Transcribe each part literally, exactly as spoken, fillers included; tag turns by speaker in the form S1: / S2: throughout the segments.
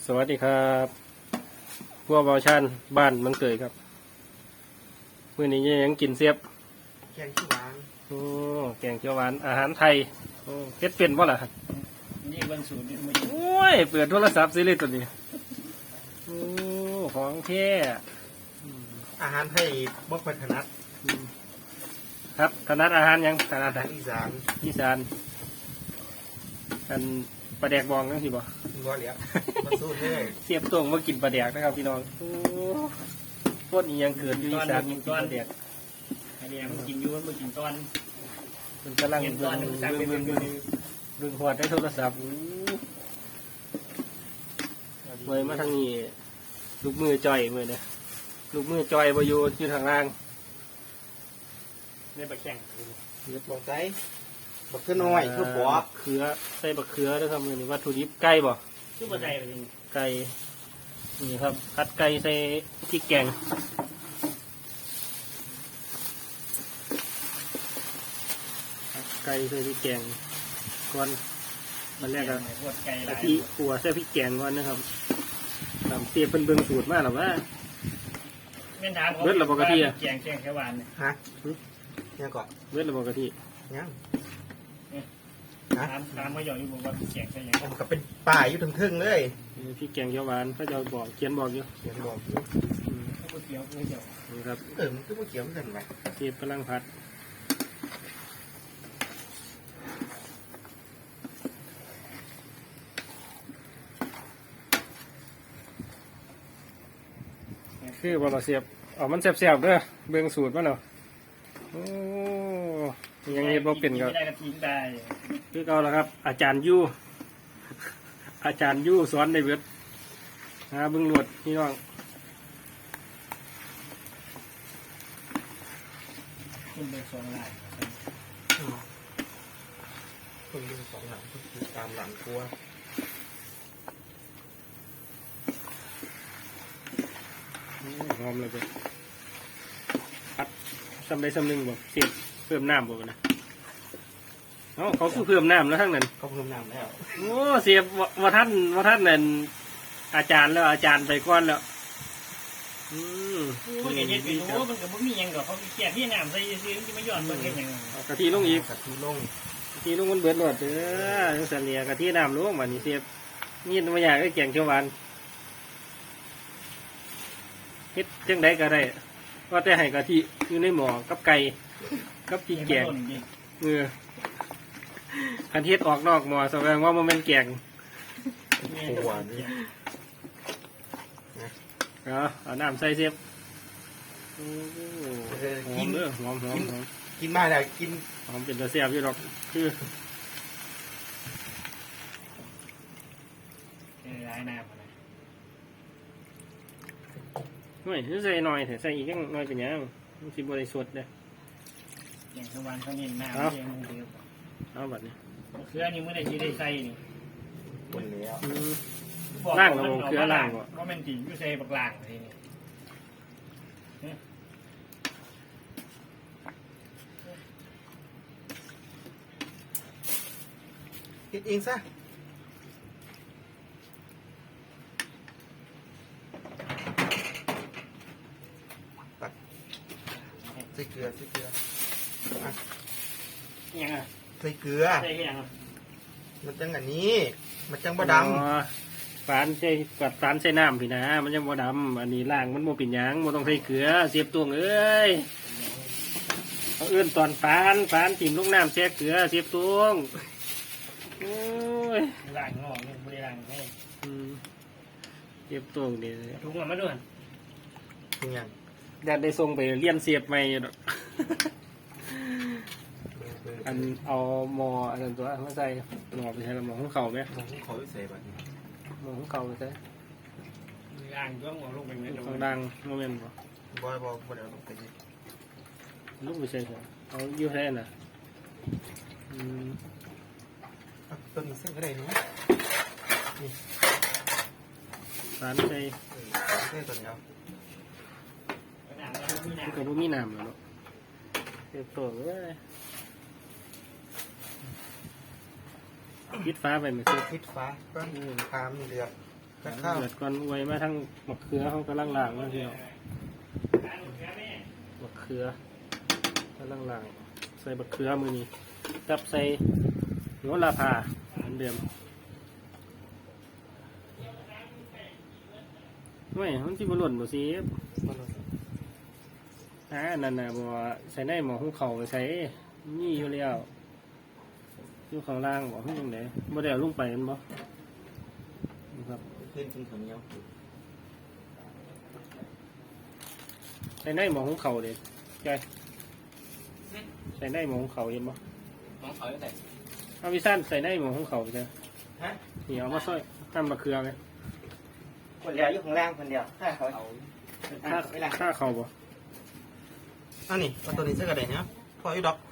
S1: วัสดีครับพวกเบาชันบ้านมันเกิดครับมื้อนี้ยังกินเสียบ
S2: แกงขี้หวาน
S1: โอ้แกงเขียวหวานอาหารไทยโอ้เฮ็ดเป็นบ่ล่ะ
S3: นี่เบิ่งสูตรนี่มัน
S1: โอ้ยเปิดโทรศัพท์ซิเลยตัวนี้โอ้ของแท้
S2: อาหารไทยบ่ค่อยถนัด
S1: ครับถนัดอาหารยังถนัดอาหาร
S2: อีสาน
S1: อีสานกันปลาแดกบองจังซี่บ่
S2: บ่เหลียวมันสู้เด้
S1: เสียบตรงมากินปลาแดกนะครับพี่น้องโอ้โคตรอีหยังเกิดอยู่อีสานกินปลาแดก
S3: ไอเดียมันกินอยู่มันกินตอน
S1: มันกำลังเบิ่งเบิ่งเบิ่งเบิ่งเบิ่งพอดได้โทรศัพท์เมื่อมาทางนี้ลูกมือจ่อยมือเนี่ยลูกมือจ่อยบอยู่อยู่ทางล่าง
S3: ในปลาแข็ง
S2: เรียบบอกใจบักเขือน้อยคือปอบ
S1: เขือใส่บักเขือด้วยครับมือนี้วัตถุดิบไก่บ่
S3: คือปลาใจไปจริง
S1: ไก่นี่ครับผัดไก่ใส่พริกแกงไก่ใส่พริกแกงก่อนมันแรกก็กะทิขัวใส่พริกแกงก่อนนะครับตามเตี๋ยเป็นเบิ่งสูตรมากหรอว่า
S3: เม่นถาม
S1: เบิดระบบกะทิอะ
S3: แกงแกงแค่หวาน
S2: ฮะยังก่อน
S1: เบิดระบบกะทิ
S2: ยัง
S3: ถามถามมาหยอกอยู่บอกว่าแกงใช่ยัง
S2: ผมก็เป็นป่าอยู่ถึงครึ่งเลย
S1: พริกแกงเขียวหวานเขาจะบอกเขียนบอกอยู่
S2: เขียนบอกอยู่
S3: ก๋วยเตี๋ยวก๋วยเตี๋ยว
S1: นี่ครับ
S2: เออมันคือก๋วยเตี๋ยวมันเป็นไง
S1: เทียบกำลังผัดคือบะเสียบอ๋อมันเสียบๆเด้อเบื้องสูตรมันเนาะโอ้ยังเห็นบ่เป็นก็คือเอาละครับอาจารย์ยู่อาจารย์ยู่สอนในเว็บหาเบื้องหลวดพี่น้อง
S3: คุณเป็นสองลาย
S2: คุณเป็นสองหลังคุณตามหลังครัว
S1: หอมเลยไปพัดซ้ำได้ซ้ำหนึ่งบ่เสียบเพิ่มน้ำบ่นะเขาเขาคือเพิ่มน้ำแล้วทั้งนั้น
S2: เขาเพิ่มน้ำแล้ว
S1: โอ้เสียบว่าท่านว่าท่านนั่นอาจารย์แล้วอาจารย์ไปก้อนแล้วอืม
S3: มันเห็นเป็นโอ้มันกับมันมียังกับเขาแก่ที่น้ำใส่ซื้อที่ไม่ย้อนมันแค่ยัง
S1: กะทิลงอีก
S2: กะทิลง
S1: กะทิลงมันเบิดหมดเด้อยังเสียกะทิน้ำลงมานี่เสียบนี่ตัวอย่างก็แกงเขียวหวานเฮ็ดจังไดก็ได้ว่าแต่ให้กะทิอยู่ในหม้อกับไก่กับพริกแกงเออคันเฮ็ดออกนอกหม้อแสดงว่ามันเป็นแกง
S2: หวานนี่
S1: เอาเอาน้ำใส่เสียบหอมเด้อหอมหอมหอม
S2: กินมาแล้วกิน
S1: หอมเป็นตัวเสียบอยู่หรอกคือ
S3: ร้ายน้ำอะไร
S1: ไม่ใส่หน่อยแต่ใส่อีกยังหน่อยเป็นยังมันสิบริสุทธิ์เลย
S3: อย่างสวรรค์เขาเน้นน้ำเองเดียว
S1: เอาแบบนี้
S3: เครือนี่เมื่อไรที่ได้ใส่นี่
S2: หมดแล้ว
S1: ล่างเราเครือล่าง
S3: เพราะมันตีอยู่ใส่บักล่างเลยนี่
S2: กินเองซะใส่เกลือใส่เกลือ
S3: ยังไง
S2: ใส่เกลือ
S3: ใส่ยัง
S2: มันจังอันนี้มันจังบะด
S1: ำฝานใส่กัดฝานใส่น้ำพี่นะมันจังบะดำอันนี้ล่างมันโมปิ่นยังโมต้องใส่เกลือเสียบตวงเอ้ยเขาเอื้อนตอนฝานฝานถิ่มลูกน้ำแช่เกลือเสียบตวงโอ้ย
S3: ล่างงอไม่ได้ล่างให้
S1: เสียบตวงเดี๋ยว
S3: ทุกคนมาด้วย
S2: ทุกอย่าง
S1: อยากได้ส่งไปเลี้ยนเสียบใหม่ดอกอันเอาหมออันนั้นตัวมาใส่หมอไปใช้หมอของเขาไหม
S2: หมอของเขาไปใส่แบบ
S1: หมอของเขาไปใส่
S3: ล่างก็หมอลงไปไหม
S1: ของดังโมเมนต์บ่
S2: บ่อยบ่อยบ่อยลงไป
S1: ลูกไปใส่เอาอยู่แค่น่ะ
S2: ตัวนี้เส้นก็ได้นะนี่
S1: ร้านใส่
S2: เส้นตัวนี้เอา
S1: ก็บ่มีน้ำแล้วเก็บตัวไว้ปิดฟ้าไปไหมครับ
S2: ปิดฟ้าก็พามเดือดกับข้าว
S1: เดือดก่อนไว้มาทั้งมะเขือเขากำลังล้างมาพี่น้องมะเขือกำลังล้างใส่มะเขือมือนี้กับใส่โหระพาเหมือนเดิมไม่มันที่บหล่นบ่สิอ่านั่นน่ะบ่ใส่ในหม้อหุงข้าวไปใส่นี่อยู่แล้วอยู่ข้างล่างบ่ขึ้นยังไงบ่ได้เอาลงไปมันบ่นะครับ
S2: ขึ้นกินข้าวเหนียว
S1: ใส่ในหม้อหุงข้าวเด้ใช่ใส่ในหม้อหุงข้าวเห็นบ่
S3: มองเขาได้
S1: เอาวิซันใส่ในหม้อหุงข้าวไปใช่
S2: ฮะ
S1: นี่เอามาซอยทำมะเขือไง
S2: คนเดียวอยู่ข้างล่างคนเดียวถ้าเขา
S1: ถ้าถ้าเข้าบ่
S2: อันนี้เอาตัวนี้สักกระไดเนาะพออีดอก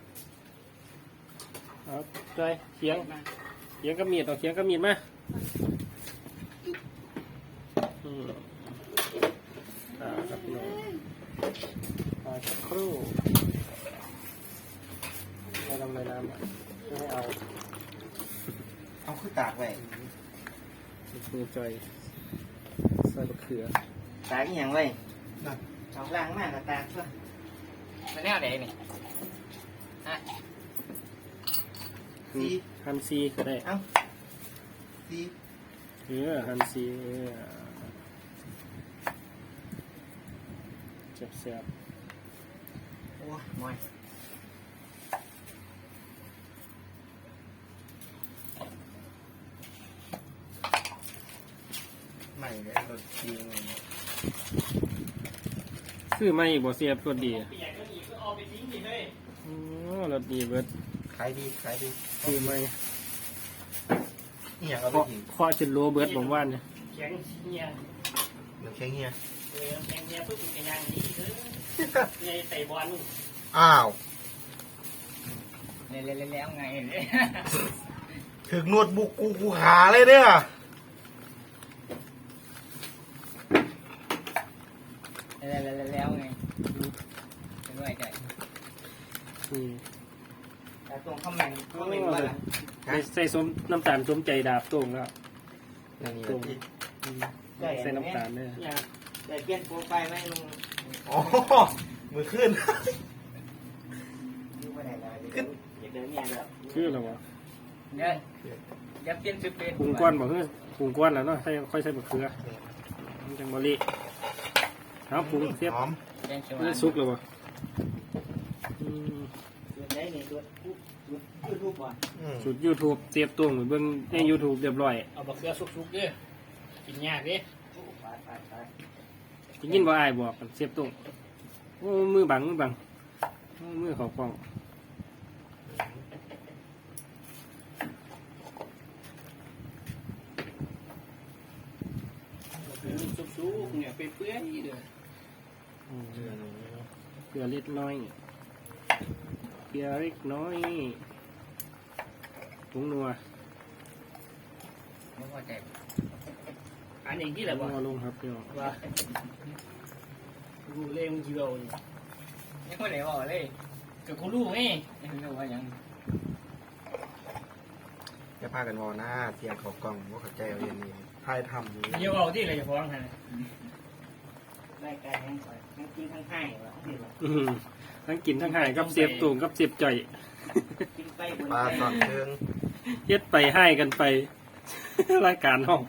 S1: เอาใจเขียงเขียงกับมีดเอาเขียงกับมีดมาอืมอ่าครับพี่น้องอ่าสักครู่ให้ทำในน้ำอ่ะเพื่อให้เอา
S2: เอาขึ้นตากไว้
S1: มือใจใส่มะเขือ
S2: ตากอย่างไว้เอาล้างมากกับตากซะ
S3: มันแนวไหนนี่ฮะ
S2: ซี
S1: ฮันซีก็ได้
S2: เอาซี
S1: เออฮันซีเออเจ็บแสบ
S2: โอ้ยมอยใหม่เลยรสจีน
S1: ซื้อไม่บ่เสียบรสดี
S3: เปียกก็ดีก็เอาไปทิ้งดิเฮ้ย
S1: โอ้รสดีเบิด
S2: ขายดีขายดี
S1: ซื้อไม่
S2: นี่อย่างเอาไป
S1: เคาะ
S2: กิน
S1: เคาะจนโลเบิดผมว่าเนี่ย
S3: แข็งเฮีย
S2: น้ำแข็งเฮีย
S3: เออแข็งเฮียปุ๊บเป็นกระยางดีเด้อไงใส่บอล
S2: อ้าว
S3: แล้วแล้วแล้วไงเนี่ย
S2: ถึงนวดบุกกูกูหาเลยเนี่ย
S3: แล้วแล้วแล้วไงเป็นด้วยใจ
S1: นี่
S2: แต่ตรงข้าวแมงข้าวแมงว่าล่ะ
S1: ใส่ใส่สมน้ำตาลสมใจดาบตรงแล้ว
S2: นี่นี่
S1: ตรง
S2: ที่
S1: อืมใส่น้ำตาลเนี่ย
S2: แต่เปลี่ยนโปรไฟล์ไหมลุงอ๋อมือขึ้นขึ้น
S3: อยากเดินเนี่ยแบบ
S1: คืออะไรวะ
S3: เนี่ยอยากเปลี่ยนชุดเป็น
S1: ปรุงก้อนบอกคือปรุงก้อนแล้วเนาะใส่ค่อยใส่มะเขือมันจังบริเอาปรุงเสียบ
S2: หอม
S3: แกงเขียวห
S1: เนื้
S3: วา
S1: อน ซุกเลยวะอืม
S3: ตัวไหนนี่ตัวตัวยูทูบอ่ะ
S2: อืม
S1: สุดยูทูบเสียบตรงเหมือนเบิ่งในยูทูบเรียบร้อย
S3: เอาบะเขือสุกๆเด้อกินยากเด้ไปไปไป
S1: ได้ยินว่าอายบอกกันเสียบตรงโอ้มือบังมือบังโอ้มือเขากล้อง
S3: สุกๆเนี่ยเปื่อยๆเด้อ
S1: อืม
S2: เชื่อหนูเนาะ
S1: เกลือเล็กน้อยเกลือเล็กน้อยผงนัว
S3: ไม่พอใจอันนี้ที่ไหนบ่
S1: นัวลงครับพี่น้อง
S3: ว่ากูเล่มึงกี่โลนี่ยังไม่ได้บอกเลยกับกูรู้ไงไม่รู้ว่ายัง
S2: จะพากันวอหน้าเสียงเขากล้องว่าเขาใจเอาเรียนนี่ทายทำนี่
S3: เดี๋ยวเอาที่อะไรจะฟ้องฮะรายการยังยังกินทั้งให้วะ
S1: อืมทั้งกินทั้งหายกับเสียบตุ่มกับเสียบจ่อย
S3: กินไปบน
S2: ปลาสอนเชิง
S1: เฮ็ดไปให้กันไป รายการห้อง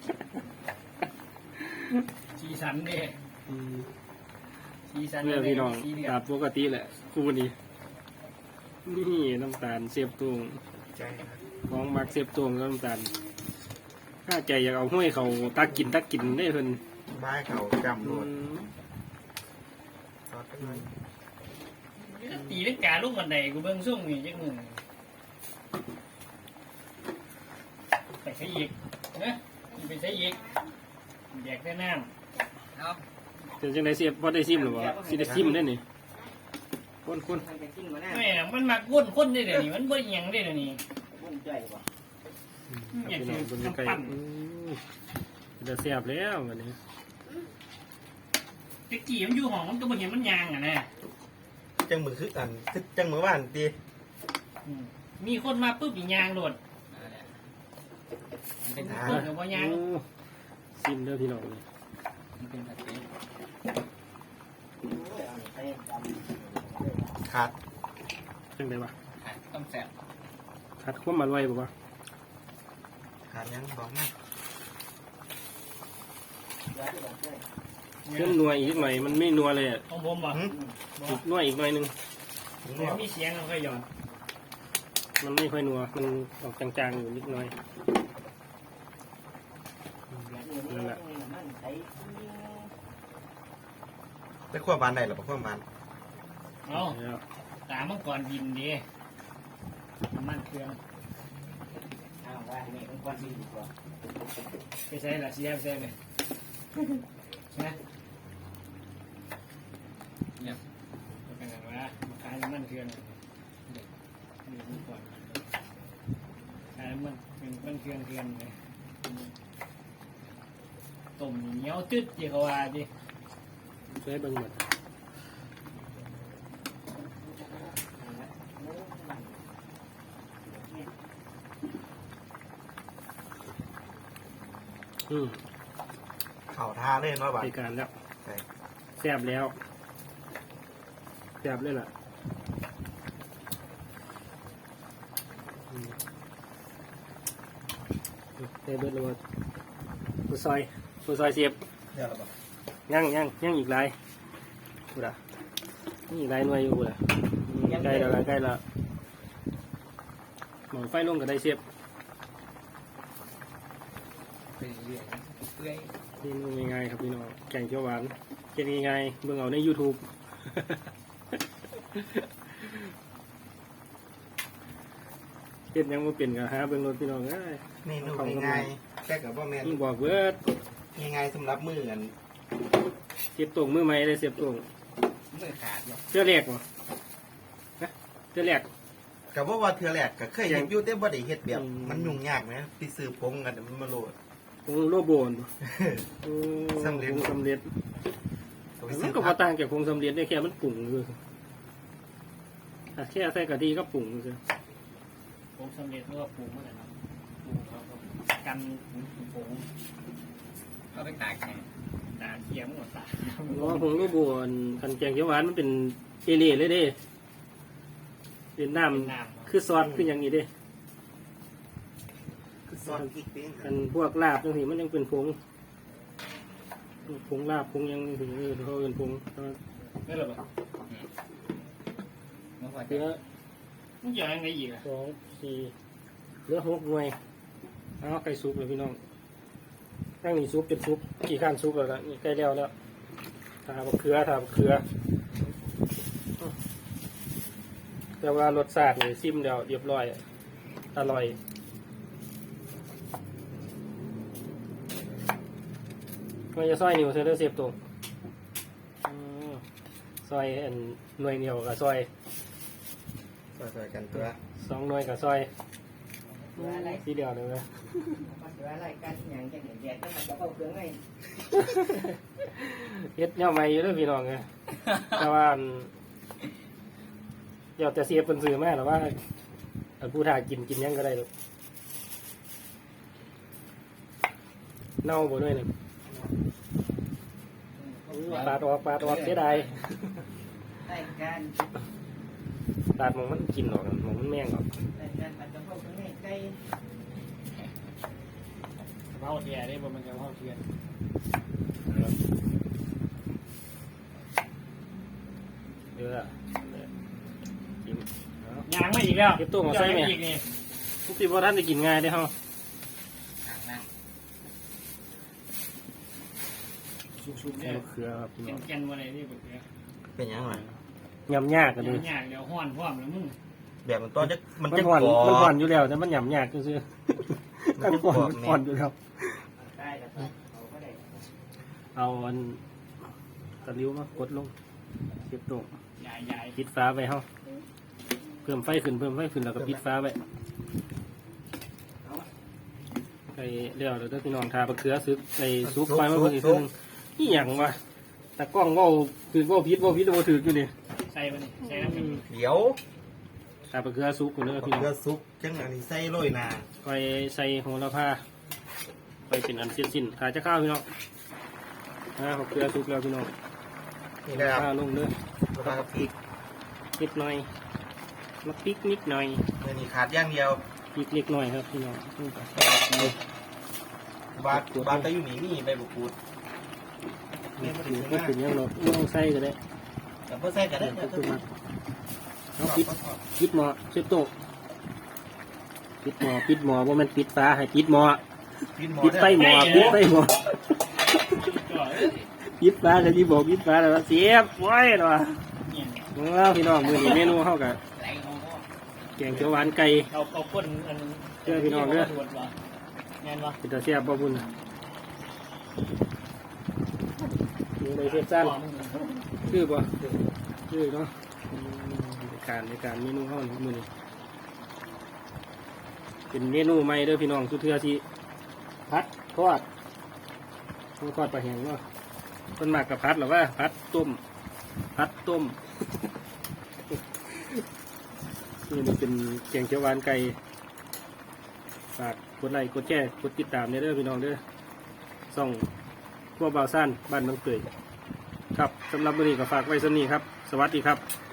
S3: สีสันเด้
S1: อืม
S3: สีสัน
S1: เพื่อพี่น้อง
S3: สีเหลือ
S1: ตามปกติแหละคู่นี้นี่น้ำตาลเสียบตุ่ม
S2: ใจนะ
S1: ของมักเสียบตุ่มกับน้ำตาลถ้าใจอยากเอาห้วยเขาตักกินตักกินได้เพิ่น
S2: บ้ายเขาจำร
S1: อื
S2: วด
S1: ม
S2: ซอสกันหน่อย
S3: ตีเล็กกาลูกบันไดกูเบิ่งซุ่มนี่จักมือไปใช้อีกนะไปใช้อีกแยกได้น้ำเอา
S1: เป็นจังไดเสียบบ่ได้ซิมหรือวะสิได้ซิมได้นี่คนคน
S3: ไม่นะมันมาก้นคนได้เดี๋ยวนี้มันบ่ยังได้เดี๋ยวนี้
S1: พี่น้องเบิ่งไก่อืมจะเสียบแล้ววันนี้
S3: ตะกี้มันอยู่ห้องมันก็บ่เห็นมันยางอ่ะนะ
S2: จังมือคืออันคือจังมือว่านตี
S3: อืมมีคนมาปุ๊บอีกยางโดดเป็นคนกับบ่ยาง
S1: โอ้ซิมเด้อพี่น้องเลย
S3: มันเป็นผัดเผ็ด
S2: ขาด
S1: จังไดวะ
S3: ผัดต้องแซ่บ
S1: คัดความอร่อยบ่วะ
S2: ขาดยังบอกมา
S1: เพิ่มนัวอีกหน่อยมันไม่นัวเลยอะ
S3: ของผมบ่
S1: อีกนัวอีกหน่อยหนึง
S3: แต่มีเสียงเราค่อยหย่อน
S1: มันไม่ค่อยนัวมันออกจางๆอยู่นิดหน่อยนั่นแหละ
S2: ได้ขั้วบานได้หรือเปล่าขั้วบาน
S3: เอา
S1: แล้ว
S3: ตามมังกรบินดีมันเครื่อง
S4: อ้าวว่าเนี่ยมันควรดีดีกว่า
S3: ไปใช้ละเสียไปใช้ไหมนะเนี่ยเป็นไงวะมาขายมันเครื่องนี่มังกรขายมันเป็นมันเครื่องเครื่องเลยต้มเหนียวตึ๊ดจีเขาว่าดิ
S1: ใช้เบิ่งหมดอืม
S2: เข่าท่าเล่นว่าบาน
S1: รายการแล้ว
S2: ใช่
S1: แซ่บแล้วแซ่บเลยล่ะอืมเทเบิร์ดเลยว่าผู้ซอยผู้ซอยเสียบ
S2: เดี๋ยวเราบอก
S1: ยังยังยังอีกหลายกูด่ะยังอีกหลายหน่วยอยู่กูด่ะอืมใกล้แล้วล่ะใกล้แล้วหมองไฟลงก็ได้เสียบ
S3: ไปเรื่อยเปื่อย
S1: นี่นูง่ายๆครับพี่น้องแกงเขียวหวานเก็นง่ายๆเบิ่งเอาใน YouTube เก็ดยังบ่เป็นก็หาเบิ่งรถพี่น้องเอ้ย
S2: เมนูง่ายๆแค่กับว่าแมน
S1: มึงบอกเบิด
S2: ง่ายๆสำหรับมือกัน
S1: เสียบตรงมือใหม่ได้เสียบตรง
S3: ไม่ขาดเลย
S1: เสื้อแรกบ่ฮะเสื้อแรก
S2: กับว่าว่าเธอแหลกก็เคยเห็นอยู่แต่บ่ได้เฮ็ดแบบ
S1: อืม
S2: มันยุ่งยากไหมพี่ซื้อพงกันมันมาโหลด
S1: ตรงโลโบนบ่โอ้
S2: สำเร็จ
S1: ผงสำเร็จ
S2: ก็ไป
S1: มั
S2: ซื้
S1: น
S2: อ
S1: ก็
S2: ผั
S1: บ่
S2: ก
S1: ต่างจากผงสำเร็จได้แค่มันปรุงคืออ่ะแค่ใส่กะทิก็ปรุงคือ
S3: ผมสำเร็จเมื่อปรุงเมื่อไหร่นะปรุงเขาก็กันผงก็ไปตากแห้งตากเคี่ยวหมดตาก
S1: เพราะว่าผงโลโบนคันแกงเขียวหวานมันเป็นเอเล่เลยเด้เป็นน้ำ
S3: น้ำ
S1: คือซอสคืออย่างนี้เด้
S2: คือซอสพริกปิ้ง
S1: อันพวกลาบจังซี่มันยังเป็นผงผงลาบผงหยังถึงเออเขาเป็นผง
S3: ไม่หรอกมันว่า
S1: เหลือ
S3: มันเกี่ยวยังไงอีกอ่ะ
S1: สองสี่เหลือหกหน่วยเอาไก่ซุปเลยพี่น้องตั้งนี่ซุปเป็นซุปกี่ข้านซุปแล้วล่ะนี่ใกล้แล้วแล้วทาบะเขือทาบะเขือแต่ว่ารสชาตินี่ซิมเดียวเรียบร้อยอร่อยมันจะซอยนิ้วเซอร์เสียบตรงอืมซอยอันหน่วยเหนียวกับซอย
S2: ซอยๆกันตัว
S1: สองหน่วยกับซอยสีเดียวเลยไหม
S4: มันจะอะไรกันอย่างจะเห็นแดดแล้วมันจะเข้าเครื่องไง
S1: เฮ็ดเนี่ยใหม่อยู่เด้วยพี่น้องไงแต่ว่าอันเดี๋ยวแต่เสียเป็นสื่อแม่หรือว่าอันผู้ถ่ายกินกินหยังก็ได้หรอกเน่าบ่ด้วยหนึ่งปาดออกปาดออกเสียดาย
S4: ได้การ
S1: ปาดหมองมันกินออกหมองมันแม่งออก
S4: ได้การมันจะเข้าเครื่องไงได้
S3: เผาเทียได้บ่มันจะเผาเทียน
S1: เยอะกินเอา
S3: ยางไม่อีกแล้ว
S1: เก็บตู้มาใส่ไหม
S3: อีกนี่
S1: ทุกทีว่าท่านจะกินง่ายได้อเฮา
S3: ชุบๆ
S1: ใส่
S3: เนี่ย
S1: มะเขือครับพี่น้อง
S3: แกนๆมาเลยนี่แบบนี้
S2: เป็นยังไง
S1: ยำยากกันเลย
S3: ยากเดี๋ยวห้อนพร้อมแล้วมึง
S2: แบบมันต้นจะมัน
S1: มัน
S2: จะ
S1: ห่อน
S2: กรอบ
S1: มันห่อนอยู่แล้วแต่มันหยำยากก็คือๆมันห่อนมันห่อนอยู่แล้ว
S4: ได้แล้วเขาก็ได้
S1: เอาอันตะลิ้วมากดลงเก็บตรง
S3: ใหญ่
S1: ปิดฟ้าไปเฮาเพิ่มไฟขึ้นเพิ่มไฟขึ้นแล้วก็ปิดฟ้าไปไอ้เลี้ยวเดี๋ยวพี่น้องทาบะเขือซึกไอ้ซุปไฟมาเพิ่มอีกทีนึงนี่หยังวะแต่กล้องเว่าถือเว่าพิษเว่าพิษเว่าถืออยู่นี่
S3: ๆใส่ไปนี่ใส่น้ำมัน
S2: เดี๋ยว
S1: ทาบะเขือซุปกันเลยพี่น้อง
S2: เกลือซุปจังอันนี้ใส่โรยหนา
S1: คอยใส่โหระพาไปไปเป็นอันสิ้นสิ้นถ่ายจะข้าวพี่น้องอ่าขอบเกลือสุกแล้วพี่น้อง
S2: นี่นะครับ
S1: ข้าวลงเด้อ
S2: แล้วก็พริก
S1: นิดหน่อยมาพริกนิดหน่อย
S2: เมื่อนี้ขาดอย่างเดียว
S1: พริกเล็กหน่อยครับพี่น้อง
S2: บาดบาดตะอยู่นี่มีใบบุกูด
S1: นี่คือก็เป็นอยังเราไม่ต้องใส่ก็ได้
S2: กับเพื่อใส่กันได้
S1: ก็คือมาเอาปิดปิดหม้อเชฟโต้ปิดหม้อปิดหม้อว่ามันปิดฟ้าให้ปิดหม้อ
S2: กินหมอ
S1: ปิดไฟหม้อปิดไฟหม้อ
S3: ก่อน
S1: ปิดฟ้าก็ที่บอกปิดฟ้าแล้วเสียบไว้หรอ
S3: เนี่ย
S1: ว้าวพี่น้องมือนี้เมนูเข้ากับ
S3: ไรเขาก็
S1: แกงเขียวหวานไก่
S3: เอาเอาก้นอัน
S1: เด้อพี่น้องเด้อ
S3: ตรวจวะงานวะ
S1: เป็นตาเสียบบ่บุญมีอะไรเสียบสั้นคือบ่คือเนาะอืมในการในการเมนูเข้ามือนี้เป็นเมนูใหม่เด้อพี่น้องสุดเทือที่พัดทอดทอดปลาแห้งเนาะต้นหมากกับพัดหรือว่าพัดต้มพัดต้ม นี่มันเป็นแกงเขียวหวานไก่ฝากกดไลค์กดแชร์กดติดตามเด้อพี่น้องเด้อส่องพวกบ่าวสั้นบ้านบางเกยครับสำหรับวันนี้ก็ฝากไว้สำนี้ครับ สวัสดีครับ